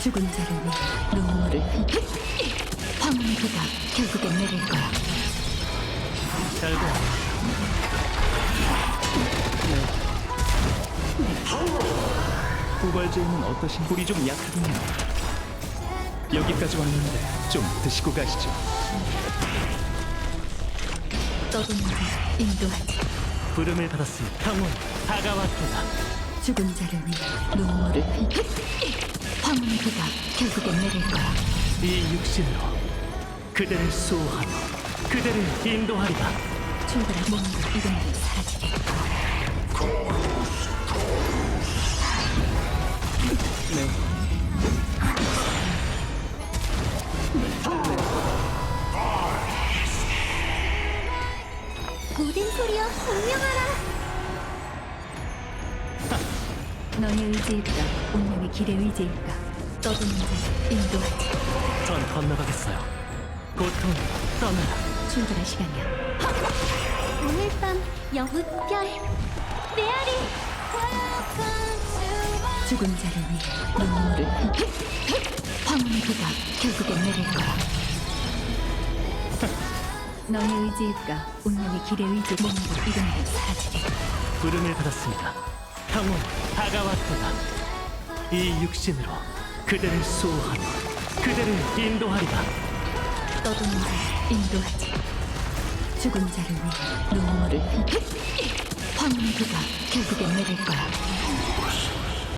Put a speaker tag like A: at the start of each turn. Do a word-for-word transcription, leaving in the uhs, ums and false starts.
A: 죽은 자를 위해 눈물을 흘려. 황혼의 비가 결국엔 내릴 거야.
B: 잘 봐. 후발제는 어떠신 불이 좀 약하군요. 여기까지 왔는데 좀 드시고 가시죠.
A: 떠도는 자 인도하지.
B: 부름을 받았으니 평온 다가왔도다.
A: 죽은 자를 위해 눈물을 흘려. 황혼의 비가 결국엔 내릴 거야.
B: 이 육신으로 그대를 수호하며 그대를 인도하리라.
A: 출발할 몸도 이름도 사라지게.
B: 네.
A: 모든 소리여 공명하라. 너의 의지일까 운명의 길의 의지일까. 떠도는 자 인도하지.
B: 전 건너가겠어요. 고통 떠나라.
A: 출발할 시간이야. 오늘 밤 영훈 별 메아리. 죽은 자를 위해 눈물을 흘려. 황혼의 비가 결국엔 내릴 거야. 너의 의지일까 운명의 길의 의지. 몸도 이름도 사라지게.
B: 부름을 받았습니다. 평온 다가왔도다. 이 육신으로 그대를 수호하며 그대를 인도하리라.
A: 떠도는 자 인도하지. 죽은 자를 위해 눈물을 흘려. 황혼의 비가 결국엔 내릴 거야.